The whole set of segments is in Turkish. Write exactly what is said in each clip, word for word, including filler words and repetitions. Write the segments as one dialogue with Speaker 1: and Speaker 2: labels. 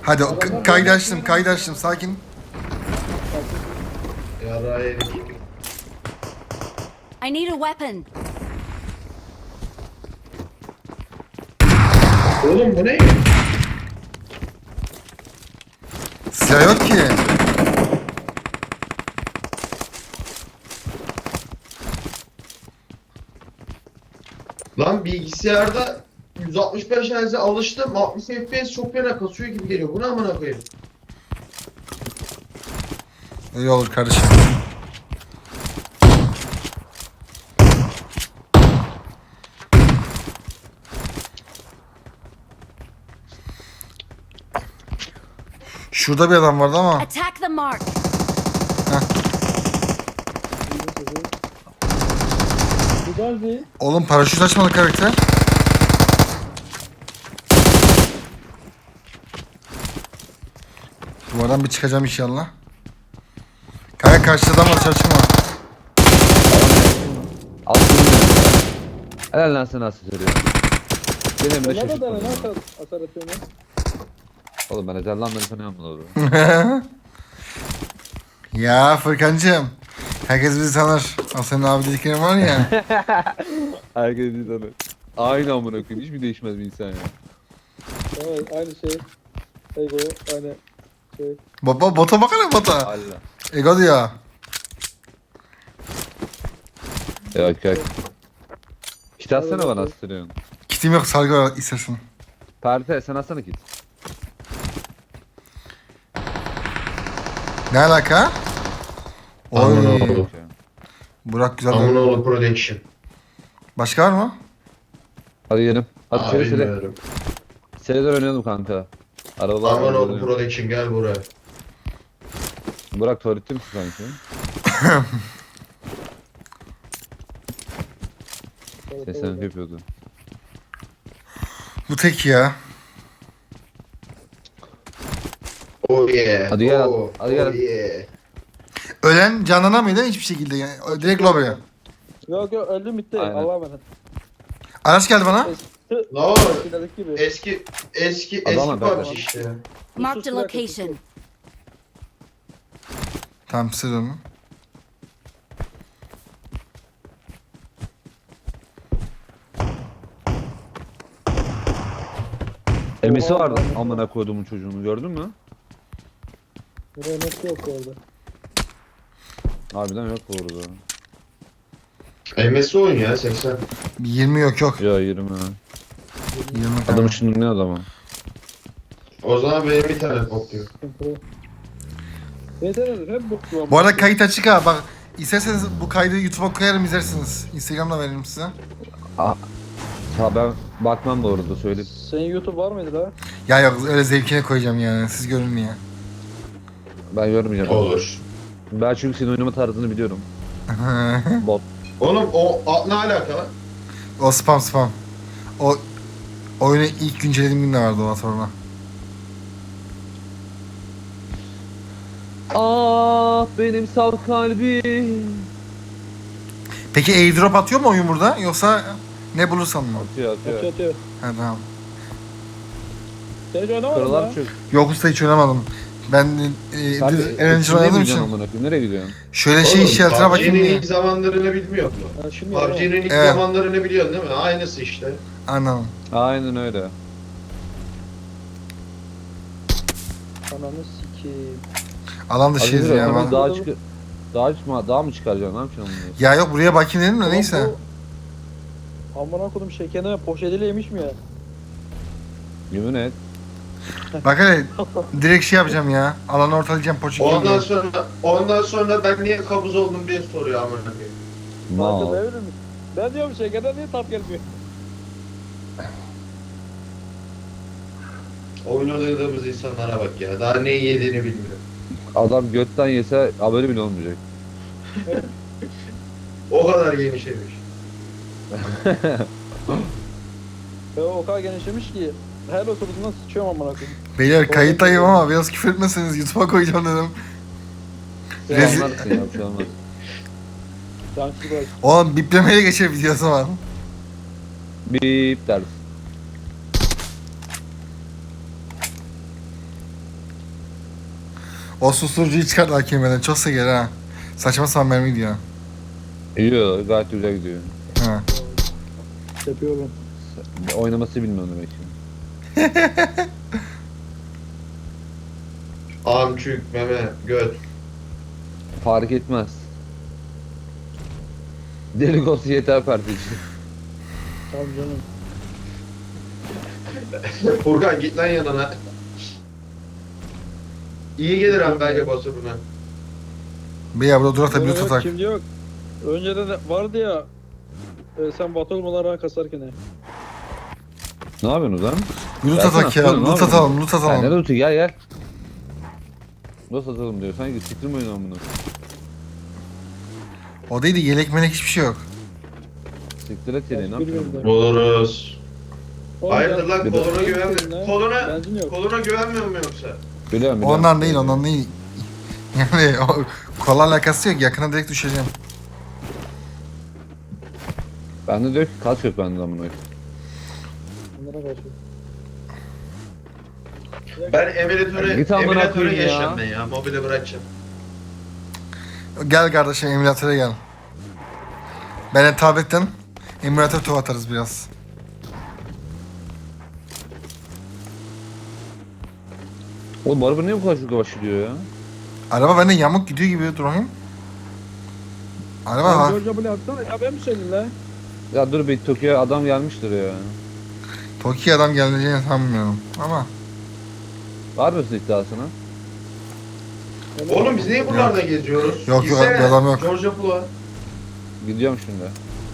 Speaker 1: Hadi o k- kaydı açtım, kaydı açtım. Sakin.
Speaker 2: Yara yedik.
Speaker 3: I need a weapon.
Speaker 2: Oğlum bu ne?
Speaker 1: Silah yok ki.
Speaker 2: Lan bilgisayarda yüz altmış beş Hz'e alıştım. altmış F P S çok fena kasıyor gibi geliyor. Bu ne amına koyayım?
Speaker 1: İyi olur kardeşim. Şurada bir adam vardı ama.
Speaker 3: Attack the mark.
Speaker 4: Güzeldi.
Speaker 1: Oğlum paraşüt açmadı karakter. Duvardan bir çıkacağım inşallah. Kaya karşıda adam var, çalışma.
Speaker 5: Aslında helal lan sana asıl söylüyorum. Benim de
Speaker 4: Ona da
Speaker 5: şaşırtmadım.
Speaker 4: dene nasıl hasar atıyorsun?
Speaker 5: Oğlum ben ezellanları tanıyorum bunu doğru.
Speaker 1: Ya Furkancığım. Herkes bizi tanır. O senin abi dediklerin var ya.
Speaker 5: Herkes bir tanır. Aynı amına koyayım. Hiç mi değişmez bir insan ya?
Speaker 4: Evet aynı şey. Ego aynı şey.
Speaker 1: Baba bota bakana bota.
Speaker 5: Allah.
Speaker 1: Ego diyor.
Speaker 5: Yok yok. Kit atsana bana asıl söylüyorsun.
Speaker 1: Kitim yok, sargı var istersen.
Speaker 5: Perte sen atsana kit.
Speaker 1: Ne alaka?
Speaker 2: Aman
Speaker 1: Oy.
Speaker 2: oğlum.
Speaker 1: Burak güzel.
Speaker 2: Aman
Speaker 1: oynadı.
Speaker 2: oğlum production.
Speaker 1: Başka var mı?
Speaker 5: Hadi gidelim. Hadi
Speaker 2: Aa,
Speaker 5: şöyle şöyle.
Speaker 2: bilmiyorum.
Speaker 5: Seriler oynayalım kanka. Arabalar
Speaker 2: Aman oğlum
Speaker 5: oynayalım.
Speaker 2: production gel buraya.
Speaker 5: Burak tuvalette misin sanki?
Speaker 4: Evet,
Speaker 5: Seslenip
Speaker 4: evet.
Speaker 5: yapıyordu.
Speaker 1: Bu tek ya.
Speaker 2: Oh yeah.
Speaker 5: Hadi gel,
Speaker 2: Oh,
Speaker 5: hadi gel.
Speaker 2: Oh yeah.
Speaker 1: Ölen canlanamıyor hiçbir şekilde yani. Direkt lobiye.
Speaker 4: Yok yok öldüm bitti.
Speaker 5: Aynen.
Speaker 4: Allah'a emanet.
Speaker 1: Araç geldi bana.
Speaker 2: Ne oğlum?
Speaker 4: Finaldeki gibi.
Speaker 2: Eski eski
Speaker 5: Adamlar
Speaker 2: eski
Speaker 5: berber.
Speaker 2: P U B G işte.
Speaker 3: Marked a location.
Speaker 1: Tamam size dönün.
Speaker 5: Emisi vardı amına koyduğumun çocuğunu gördün mü?
Speaker 4: Buraya nasıl yok orada?
Speaker 5: Harbiden yok bu arada.
Speaker 2: M S oyun ya seksen.
Speaker 1: yirmi yok yok.
Speaker 5: Ya yirmi.
Speaker 1: yirmi
Speaker 5: Adam
Speaker 1: tamam.
Speaker 5: şimdi ne adamı?
Speaker 2: O zaman benim internet bakıyor.
Speaker 4: Sıkıntı. Yeter hep bu.
Speaker 1: Bu arada kayıt açık ha. Bak isterseniz bu kaydı YouTube'a koyarım, izlersiniz. Instagram'da veririm size.
Speaker 5: Ha ben bakmam bu arada söyleyeyim.
Speaker 4: Senin YouTube var mıydı la?
Speaker 1: Ya yok öyle zevkine koyacağım yani. Siz görün ya.
Speaker 5: Ben görmeyeceğim.
Speaker 2: Olur.
Speaker 5: Ben çünkü senin oynama tarzını biliyorum. Bot.
Speaker 2: Oğlum o a, ne alaka lan?
Speaker 1: O spam spam. O oyunu ilk güncellediğim gün de vardı o sonra.
Speaker 5: Ah benim saf kalbim.
Speaker 1: Peki airdrop atıyor mu oyun burada? Yoksa ne bulursam mı?
Speaker 5: Atıyor atıyor.
Speaker 4: Atıyor atıyor.
Speaker 1: Ha tamam.
Speaker 4: Sen hiç oynamadın mı
Speaker 5: Kırılar
Speaker 4: lan?
Speaker 5: çok.
Speaker 1: Yok usta hiç oynamadım. Ben e,
Speaker 5: Sen
Speaker 1: düz eğlenceli oynadığım için.
Speaker 5: Nereye gidiyorsun?
Speaker 1: Şöyle şey shelter'a bakayım
Speaker 2: P U B G'nin
Speaker 1: diye.
Speaker 2: ilk zamanlarını bilmiyor musun?
Speaker 4: Ha, şimdi
Speaker 2: P U B G'nin ilk
Speaker 1: Evet.
Speaker 2: zamanlarını biliyorsun değil mi? Aynısı işte.
Speaker 1: Anladım.
Speaker 5: Aynen öyle.
Speaker 4: Ananı sikeyim.
Speaker 1: Alan dışıyız
Speaker 5: Hadi
Speaker 1: ya.
Speaker 5: hemen
Speaker 1: Ben...
Speaker 5: daha çık daha çıkma daha mı çıkaracaksın? Ne yapacaksın bunu?
Speaker 1: Ya yok buraya bakayım dedim de
Speaker 4: Ulan
Speaker 1: neyse.
Speaker 4: bu- Amına kodum şekerine poşetiyle yemiş mi ya?
Speaker 5: Yemin et.
Speaker 1: Bak hele direkt şey yapacağım ya. Alanı ortalayacağım poçuk
Speaker 2: Ondan
Speaker 1: gibi.
Speaker 2: sonra ondan sonra ben niye kabuz oldum diye soruyor amına koyayım.
Speaker 5: Mal.
Speaker 4: Farkında verir misin? Ben diyorum şekerden niye tat gelmiyor?
Speaker 2: Oyun oynadığımız insanlara bak ya. Daha ne yediğini bilmiyor.
Speaker 5: Adam götten yese haberi bile olmayacak.
Speaker 2: O kadar genişlemiş.
Speaker 4: Ve o kadar genişlemiş ki her oturduğunda sıçıyorum amına koyayım.
Speaker 1: Beyler kayıttayım ama biraz küfür etmezseniz YouTube'a koyacağım dedim.
Speaker 5: Sen
Speaker 1: Rezil-
Speaker 5: anlarsın ya bir şey olmaz.
Speaker 4: Cansız bırak.
Speaker 1: Oğlum biplemeye geçer videosu var.
Speaker 5: Bip deriz.
Speaker 1: O susturucuyu çıkart A K M'den. Çok seker ha. Saçma sapan mermi gidiyor.
Speaker 5: İyi gayet güzel gidiyor.
Speaker 1: Ha.
Speaker 4: Yapıyorum.
Speaker 5: Oynaması bilmiyorum demek ki.
Speaker 2: Amçük, meme, göt.
Speaker 5: Fark etmez. Delik olsun yeter partici.
Speaker 4: Tamam canım.
Speaker 2: Furkan git lan yanına. İyi gelir hem bence basuruna.
Speaker 1: Bir ya burada durak da
Speaker 4: Yok,
Speaker 1: bir
Speaker 4: yok,
Speaker 1: tutak.
Speaker 4: Şimdi yok. Önceden de vardı ya. E, sen batı olmalara kasarken he.
Speaker 5: Ne yapıyorsunuz lan?
Speaker 1: Loot
Speaker 5: Versene,
Speaker 1: atak ya.
Speaker 5: atsana, ne
Speaker 1: Loot
Speaker 5: yapıyorsun?
Speaker 1: atalım. Loot
Speaker 5: Ha, ne
Speaker 1: atalım.
Speaker 5: lootu gel gel. Nasıl atalım diyor. Sanki siktir mi oynuyorum bunu?
Speaker 1: O değil de yelek melek hiçbir şey yok.
Speaker 5: Siktir et seni ne
Speaker 4: Bilmiyorum
Speaker 5: yapıyorsun?
Speaker 4: da.
Speaker 2: Buluruz.
Speaker 4: Oğlum,
Speaker 2: Hayırdır lan
Speaker 5: Bir de-
Speaker 2: koluna güvenmiyor. Koluna,
Speaker 4: Benzin yok.
Speaker 2: koluna güvenmiyor mu yoksa?
Speaker 5: Biliyorum biliyorum.
Speaker 1: Ondan değil ondan değil. Yani o kola alakası yok. Yakına direkt düşeceğim.
Speaker 5: Bende diyor ki kaç yok bende amına koyayım.
Speaker 4: Bunlara karşı.
Speaker 2: Ben emülatöre,
Speaker 5: Git amına
Speaker 2: emülatöre
Speaker 5: koyayım ya.
Speaker 2: geçeceğim ben ya. Mobile bırakacağım.
Speaker 1: Gel kardeşim emülatöre gel. Ben de tabletten emülatör tuv atarız biraz.
Speaker 5: Oğlum araba niye bu kadar şurada başlıyor ya?
Speaker 1: Araba bende yamuk gidiyor gibi durayım. Araba
Speaker 4: Lan
Speaker 1: ha.
Speaker 4: George Bull'u atsana. Ya ben mi söyleyeyim la?
Speaker 5: Ya dur bir Tokyo'ya adam gelmiştir ya.
Speaker 1: Toki adam geleceğini sanmıyorum ama.
Speaker 5: Var mısın iddiasına?
Speaker 4: Ben-
Speaker 2: Oğlum biz niye buralarda geziyoruz?
Speaker 1: Yok, yok,
Speaker 2: Gitsene,
Speaker 1: bir adam yok.
Speaker 2: George Bull'a.
Speaker 5: Gidiyorum şimdi.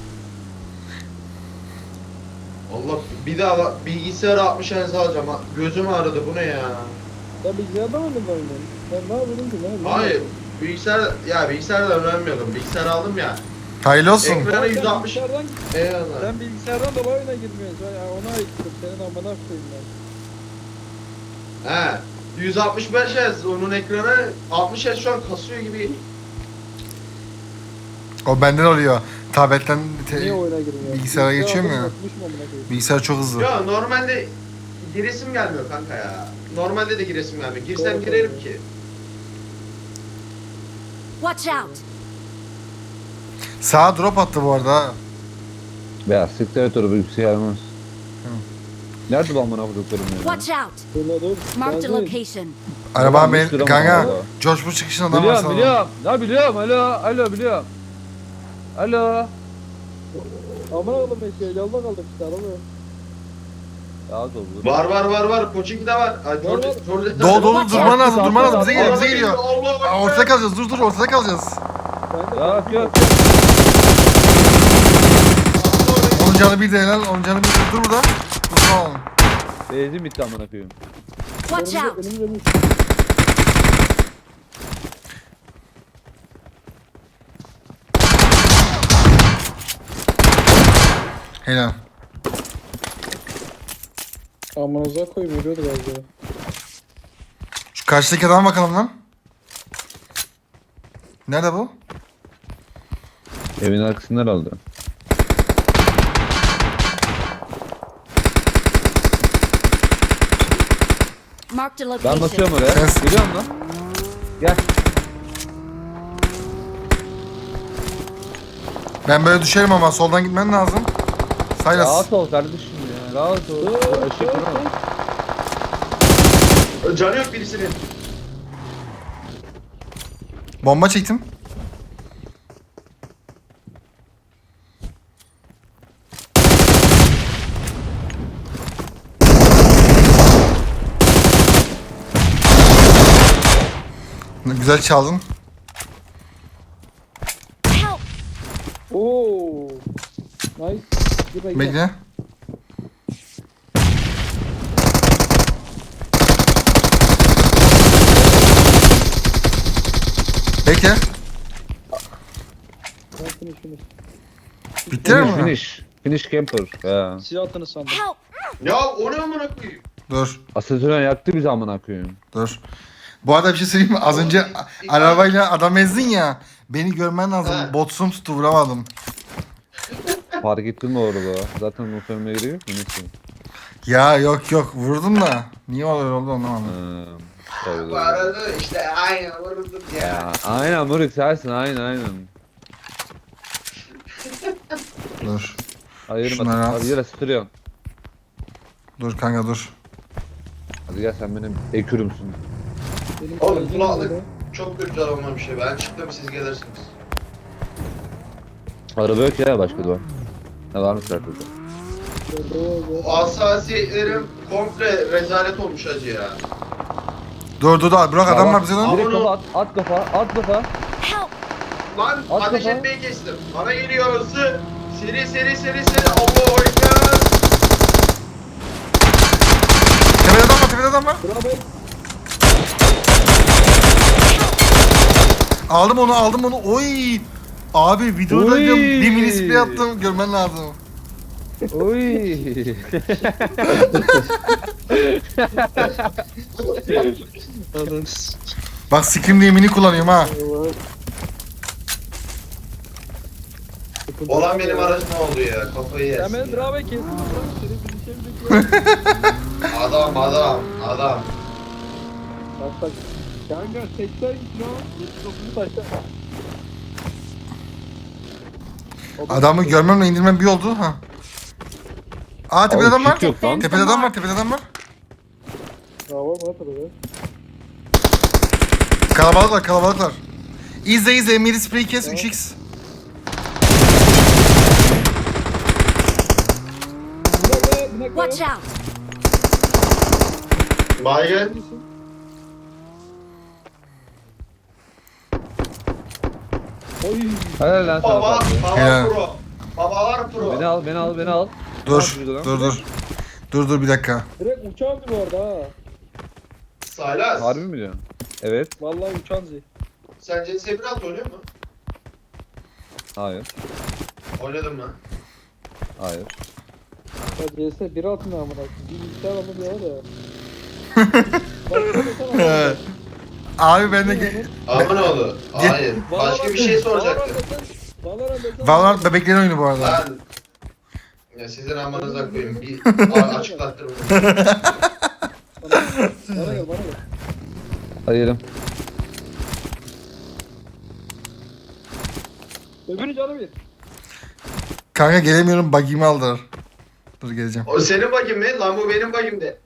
Speaker 2: Allah bir daha bilgisayarı altmış Hz alacağım. ha. Gözüm ağrıdı bu ne ya?
Speaker 4: Sen bilgisayarda mı oynadın? Ben ne yapıyordum ki? Ne yapıyordum?
Speaker 2: Hayır. Bilgisayar ya bilgisayarda öğrenmiyordum. Bilgisayar aldım ya.
Speaker 1: Hayırlı olsun.
Speaker 2: Ekran-
Speaker 4: Sen
Speaker 2: yüz altmış.
Speaker 4: bilgisayardan,
Speaker 2: Eyvallah.
Speaker 4: sen bilgisayardan dolayı oyuna girmiyorsun. Ben ya ona ayıktım. Senin amına koyayım ben.
Speaker 2: He. yüz altmış beş Hz onun ekranı altmış Hz şu an kasıyor gibi.
Speaker 1: O benden oluyor. Tabletten te-
Speaker 4: Niye oyuna girmiyorsun?
Speaker 1: bilgisayara geçiyorum ya.
Speaker 4: Bakmış mı amına koyayım?
Speaker 1: bilgisayar çok hızlı.
Speaker 2: Ya normalde giresim gelmiyor kanka ya. Normalde de giresim gelmiyor. Girsem
Speaker 4: Doğru,
Speaker 2: girerim
Speaker 4: doğru.
Speaker 2: ki.
Speaker 3: Watch out!
Speaker 1: Sağa drop attı bu arada. ha.
Speaker 5: Ya siktir et orada bilgisayar gelmez.
Speaker 1: Hı.
Speaker 5: Nerede bu amına koyduklarım ya?
Speaker 3: Watch out!
Speaker 4: Şurada dur.
Speaker 3: Marked a
Speaker 4: Benzin.
Speaker 3: location.
Speaker 1: Araba
Speaker 5: Tamam,
Speaker 1: ben
Speaker 5: üç lira mı
Speaker 1: kanka.
Speaker 5: kaldı?
Speaker 1: George Bush çıkışında adam var
Speaker 5: Biliyorum
Speaker 1: sana.
Speaker 5: biliyorum. Ya biliyorum. Alo alo biliyorum. Alo.
Speaker 4: Amına oğlum bekliyor. Yolda kaldık işte araba yok.
Speaker 5: Ya doldur.
Speaker 2: Var var var var. Koçinki de var. Ay, George,
Speaker 4: var.
Speaker 2: George
Speaker 1: Dolu dolu
Speaker 3: Watch
Speaker 1: durman
Speaker 3: out.
Speaker 1: lazım durman lazım. Bize geliyor
Speaker 2: Araba
Speaker 1: bize geliyor.
Speaker 2: Allah
Speaker 1: Aa,
Speaker 2: Allah.
Speaker 1: ortada kalacağız dur dur ortada kalacağız.
Speaker 4: Ben de
Speaker 5: Ya
Speaker 4: benzin
Speaker 5: yok
Speaker 4: yok.
Speaker 5: yok.
Speaker 1: Onun canı bir de helal. Onun canı bir de dur burada. Dur tamam.
Speaker 5: Benzin bitti amına koyayım.
Speaker 3: Watch
Speaker 4: Önümüze-
Speaker 3: out!
Speaker 4: önümüze bir-
Speaker 1: Helal.
Speaker 4: Amınıza koyayım yürüyordu galiba.
Speaker 1: Şu karşıdaki adama bakalım lan. Nerede bu?
Speaker 5: Evin arkasından aldı.
Speaker 3: Marked a
Speaker 5: Ben
Speaker 3: location.
Speaker 5: basıyorum oraya.
Speaker 1: Ses-
Speaker 5: Biliyor musun? Gel.
Speaker 1: Ben böyle düşerim ama soldan gitmen lazım. Saylas.
Speaker 5: Rahat ol kardeşim ya. Rahat ol. Işık vurma.
Speaker 2: Canı yok birisinin.
Speaker 1: Bomba çektim. Güzel çaldın.
Speaker 3: Help!
Speaker 4: Oo. Nice. Dur bekle.
Speaker 1: Bekle. Bekle.
Speaker 4: Ben finish finish.
Speaker 1: Bitti mi?
Speaker 5: Finish. Finish camper. Ya.
Speaker 4: Silah attığını sandım.
Speaker 3: Help!
Speaker 2: Ya o ne amına koyayım?
Speaker 1: Dur.
Speaker 5: Aseton yaktı bizi amına koyayım.
Speaker 1: Dur. Bu arada bir şey söyleyeyim mi? Az önce a- arabayla adam ezdin ya. Beni görmen lazım.
Speaker 2: He.
Speaker 1: Botsum tuttu vuramadım.
Speaker 5: Fark ettin mi orada? Zaten muhtemelen giriyor. Neyse.
Speaker 1: Ya yok yok vurdum da. Niye öyle oldu anlamadım.
Speaker 5: Ee, Tabii,
Speaker 2: Bu
Speaker 5: tabii.
Speaker 2: arada işte aynen vururdum ya.
Speaker 5: Ya, aynen Murik sensin aynen aynen.
Speaker 1: Dur.
Speaker 5: Ayırma.
Speaker 1: Şunları at.
Speaker 5: Hadi yere sıkırıyorsun.
Speaker 1: Dur kanka dur.
Speaker 5: Hadi gel sen benim ekürümsün.
Speaker 4: Benim
Speaker 2: Oğlum
Speaker 4: kalecim
Speaker 2: kulaklık
Speaker 4: nerede?
Speaker 2: çok kötü olmamış bir şey. Ben çıktım siz gelirsiniz.
Speaker 5: Araba yok ya başka da var. Ne var mı trafikte?
Speaker 4: Nerede o?
Speaker 2: O hassasiyetlerim komple rezalet olmuş hacı ya.
Speaker 1: Dur dur dur. Bırak adam var bize lan.
Speaker 5: Direkt
Speaker 2: Ama
Speaker 5: kafa at, at kafa, at kafa.
Speaker 3: Help!
Speaker 2: Lan
Speaker 5: At
Speaker 2: ateş
Speaker 5: kafa.
Speaker 2: etmeyi kestim. Bana geliyor hızlı. Seri seri seri seri. Allahu Ekber.
Speaker 1: Tepede adam var tepede adam var.
Speaker 4: Bravo.
Speaker 1: Aldım onu aldım onu. Oy. Abi videoda
Speaker 5: Oy.
Speaker 1: diyorum, bir mini spray attım. Görmen lazım.
Speaker 5: Oy.
Speaker 1: Bak Scream diye mini kullanıyorum ha.
Speaker 4: Allah.
Speaker 2: Olan benim aracım oldu ya. Kafayı
Speaker 4: Sen
Speaker 2: yersin.
Speaker 4: beni
Speaker 2: ya.
Speaker 4: bravo kestin lan. Seni bir şey mi bekliyor?
Speaker 2: Adam adam adam.
Speaker 4: Bak bak. Kanka seksen kilo. yetmiş dokuzu taşta.
Speaker 1: Adamı görmemle indirmem bir oldu ha. Aa tepede
Speaker 5: Abi,
Speaker 1: adam var.
Speaker 5: kit yok lan.
Speaker 1: Tepede adam var tepede adam var.
Speaker 4: Bravo mu atladı be?
Speaker 1: Kalabalık var kalabalık var. İzle izle mini spray kes üç x.
Speaker 4: Bir dakika, bir dakika.
Speaker 3: Watch out!
Speaker 2: Baygın.
Speaker 4: Oy.
Speaker 5: Helal lan sana.
Speaker 2: Baba,
Speaker 5: Fatih.
Speaker 2: baba
Speaker 1: Helal.
Speaker 2: pro. Babalar pro.
Speaker 5: Beni al, beni al, beni al.
Speaker 1: Dur
Speaker 5: Ne yapıyordu
Speaker 1: dur
Speaker 5: lan?
Speaker 1: dur. Dur dur bir dakika.
Speaker 4: Direkt uçağın bu arada ha.
Speaker 2: Saylas.
Speaker 5: Harbi mi diyorsun? Evet.
Speaker 4: Vallahi uçağın zi.
Speaker 2: Sen C S bir alt oynuyor musun?
Speaker 5: Hayır.
Speaker 2: Oynadım mı?
Speaker 5: Hayır.
Speaker 4: Ya C S bir altında amına. Bir bilgisayar aldı bir ara da. Baksana
Speaker 1: Ee,
Speaker 4: sana.
Speaker 1: Abi ben de
Speaker 2: Ama ne oldu? Hayır. Başka bir şey soracaktım.
Speaker 4: Valorant desen.
Speaker 1: Valorant bebeklerin oyunu bu arada.
Speaker 2: Lan. Ya sizin amanıza koyayım. Bir a- açıklattırın.
Speaker 4: Bana gel bana gel.
Speaker 5: Hadi gidelim.
Speaker 4: Öbürü canı bir.
Speaker 1: Kanka gelemiyorum buggy'mi aldılar. Dur geleceğim.
Speaker 2: O senin bagim mi? Lan bu benim bagimdi.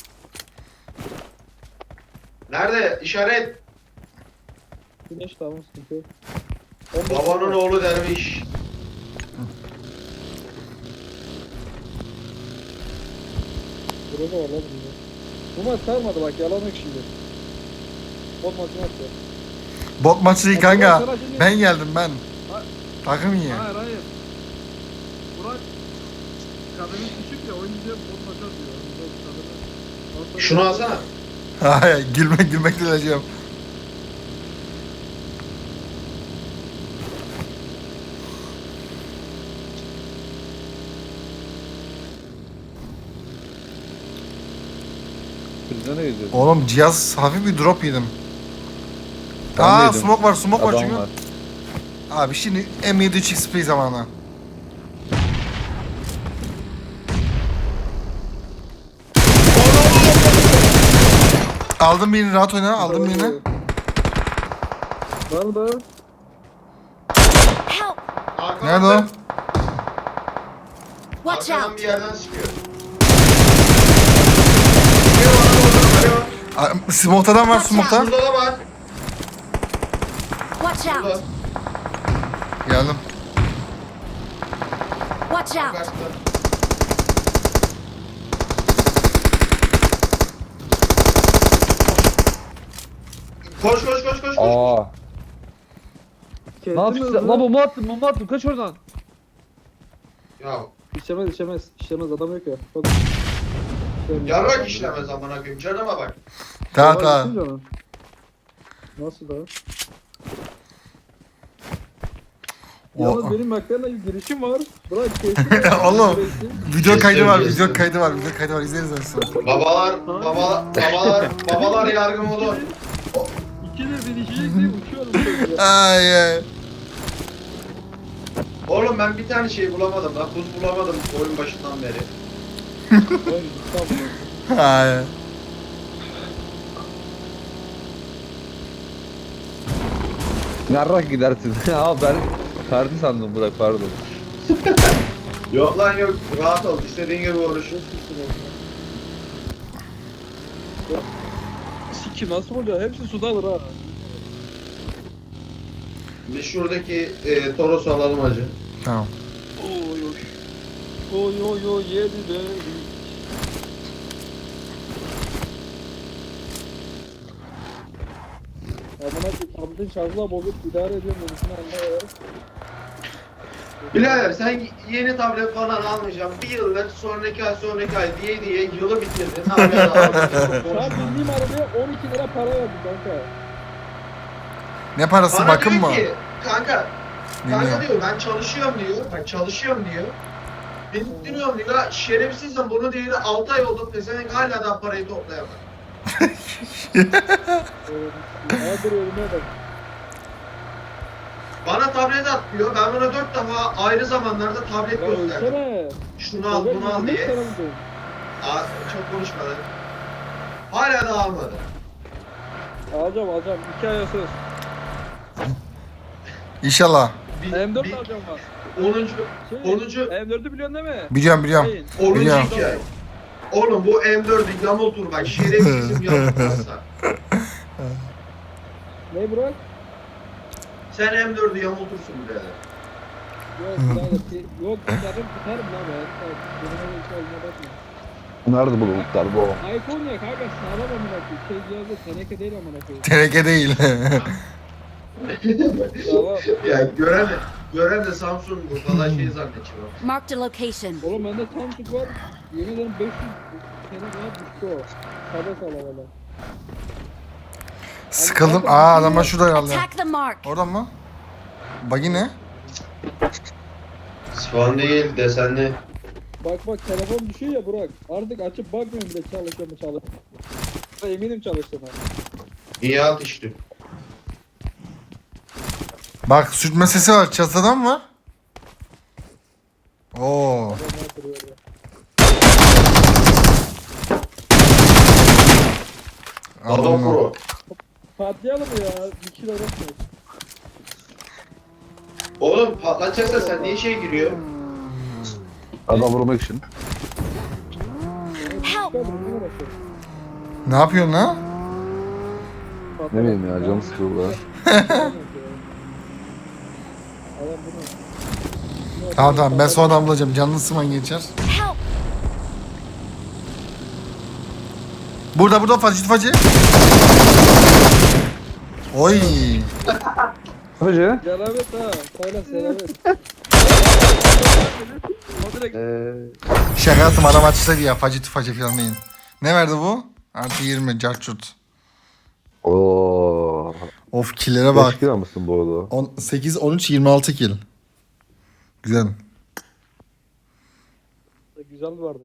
Speaker 2: Nerede? İşaret.
Speaker 4: Güneş tamam sıkıntı yok.
Speaker 2: Babanın oğlu derviş.
Speaker 4: Burada var lan burada. Bu maç sarmadı bak yalan yok şimdi. Bot maçını atıyor.
Speaker 1: Bot maçı değil kanka. Ben geldim ben. Takım iyi.
Speaker 4: Hayır hayır. Burak kadının küçük ya oyuncuya bot maçı atıyor. Kadını-
Speaker 2: Şunu alsana.
Speaker 1: Hayır gülmek gülmekle öleceğim.
Speaker 5: Biz ne geziyorsun?
Speaker 1: Oğlum cihaz hafif bir drop yedim.
Speaker 5: Ben
Speaker 1: Aa
Speaker 5: de yedim.
Speaker 1: smoke var smoke var
Speaker 5: Adam
Speaker 1: çünkü.
Speaker 5: var.
Speaker 1: Abi şimdi M yedi üç X P zamanı. Aldım birini rahat oyna aldım birini.
Speaker 4: Var mı daha?
Speaker 3: Help!
Speaker 1: Nerede o?
Speaker 3: Watch
Speaker 2: Arkadan
Speaker 3: out!
Speaker 2: bir yerden sıkıyor. Geliyor bana doğru, geliyor.
Speaker 1: Aa, Smoke'tan var smoke'tan.
Speaker 2: Şurada da var.
Speaker 3: Watch
Speaker 2: Şurada.
Speaker 3: out!
Speaker 1: Geldim.
Speaker 3: Watch out!
Speaker 2: Kaçtı. Koş koş koş koş koş.
Speaker 5: Aa.
Speaker 4: Kestin
Speaker 5: Ne yapıyorsun? Lan bomba attım, bomba attım. Kaç oradan.
Speaker 2: Ya
Speaker 4: İşlemez işlemez. İşlemez adam yok ya. Bak.
Speaker 2: yarrak işlemez amına koyayım. Canıma bak.
Speaker 1: Tamam tamam.
Speaker 4: Nasıl daha?
Speaker 1: O-
Speaker 4: Yalnız benim McLaren'la girişim var. Bırak kesin.
Speaker 1: Oğlum. Video kaydı var,
Speaker 2: Kestim,
Speaker 1: video
Speaker 2: kestim.
Speaker 1: kaydı var, video kaydı var. İzleriz sonra.
Speaker 2: Babalar, babalar, babalar, babalar yargı modu.
Speaker 4: İkidir binişecek diye uçuyorum. çocuğa.
Speaker 1: Ay ay.
Speaker 2: Oğlum ben bir tane şey bulamadım lan. Buz bulamadım oyun başından beri.
Speaker 4: Oğlum, tamam.
Speaker 1: Ay.
Speaker 5: Yarrak gidersin. Abi ben kartı sandım Burak pardon.
Speaker 2: Yok lan yok. Rahat ol. İstediğin gibi uğraşın.
Speaker 4: Siki nasıl oluyor? Hepsi suda alır ha.
Speaker 2: Biz şuradaki e, Toros'u alalım hacı.
Speaker 1: Tamam.
Speaker 4: Oy oy. Oy oy oy yedi de. Amına koyayım tabletin şarjla bozup idare ediyorum demişsin anlayalım.
Speaker 2: Birader sen yeni tablet falan almayacaksın. Bir yıldır sonraki ay sonraki ay diye diye yılı bitirdin. Hala da almadın.
Speaker 4: Şu an bindiğim arabaya on iki lira para verdim kanka.
Speaker 1: Ne parası
Speaker 2: Bana
Speaker 1: bakın
Speaker 2: diyor
Speaker 1: mı?
Speaker 2: ki kanka, kanka
Speaker 1: Bilmiyorum.
Speaker 2: diyor ben çalışıyorum diyor. Ben çalışıyorum diyor. Bindiriyorum diyor. Şerefsizim bunu diyor. altı ay oldu. Pezevenk hala da parayı toplayamadı.
Speaker 4: Hazır ölüme bak.
Speaker 2: Bana tablet at diyor. Ben buna dört defa ayrı zamanlarda tablet
Speaker 4: Ya
Speaker 2: gösterdim.
Speaker 4: ölsene.
Speaker 2: Şunu al bunu al diye. Aa, çok konuşma lan. Hala da almadı.
Speaker 4: Alacağım alacağım. iki aya söz.
Speaker 1: İnşallah.
Speaker 2: Bir,
Speaker 4: M dört
Speaker 2: bir,
Speaker 4: alacağım ben.
Speaker 2: onuncu,
Speaker 4: Şey,
Speaker 2: onuncu,
Speaker 4: M dört'ü biliyorsun değil mi?
Speaker 1: Biliyorum biliyorum.
Speaker 4: Şeyin.
Speaker 2: onuncu
Speaker 1: Biliyorum.
Speaker 2: hikaye. Oğlum bu M dördü yamultur bak. Şerefsizim yamultursa.
Speaker 4: Ne Burak?
Speaker 2: Sen M dördü yamultursun birader.
Speaker 4: Yok birader. ki- Yok tutarım tutarım lan ben. Benim hiç olma bakma.
Speaker 5: Nerede bu bulutlar bu?
Speaker 4: iPhone ya kanka sağlam amına koyayım. Şey cihazı teneke değil amına koyayım.
Speaker 1: Teneke değil.
Speaker 4: Sağlam.
Speaker 2: Ya gören de, gören de Samsung bu falan şey zannedecek.
Speaker 3: Marked a location.
Speaker 4: Oğlum bende Samsung var. Yemin ederim beş yüz sene kadar düştü o. Sade sağlam valla.
Speaker 1: Sıkıldım. Aa adamlar şurada herhalde.
Speaker 3: Attack the mark.
Speaker 1: Oradan mı? Bagi ne?
Speaker 2: Span değil desenli.
Speaker 4: Bak bak telefon düşüyor ya Burak. Artık açıp bakmıyorum bile çalışıyor mu çalışıyor. Eminim çalıştığına.
Speaker 2: İyi at işte.
Speaker 1: Bak sürtme sesi var. Çatıda mı var? Oo.
Speaker 4: Adamlar duruyor ya.
Speaker 2: Adam
Speaker 1: Adam
Speaker 2: Pro.
Speaker 4: Patlayalım ya. Bir kilo uğraşmıyoruz.
Speaker 2: Oğlum patlatacaksa sen niye şey giriyor?
Speaker 5: Adam vurmak için.
Speaker 3: Help!
Speaker 4: Ben bunu uğraşıyorum.
Speaker 1: Ne yapıyorsun lan?
Speaker 5: Ne bileyim ya canım sıkıldı lan.
Speaker 4: Adam bunu.
Speaker 1: Tamam tamam ben sonradan bulacağım. Canlı sıman geçer.
Speaker 3: Help!
Speaker 1: Burada burada facı facı. Oy.
Speaker 5: Hacı.
Speaker 4: Selamet ha. Söyle selamet. O direkt
Speaker 5: Eee.
Speaker 1: Şaka yaptım adam açsaydı ya. Facı facı falan değil. Ne verdi bu? Artı yirmi carçurt.
Speaker 5: Ooo.
Speaker 1: Of killere bak.
Speaker 5: Beş kilo mısın bu arada?
Speaker 1: on sekiz, on üç, yirmi altı kill. Güzel.
Speaker 4: güzel vardı.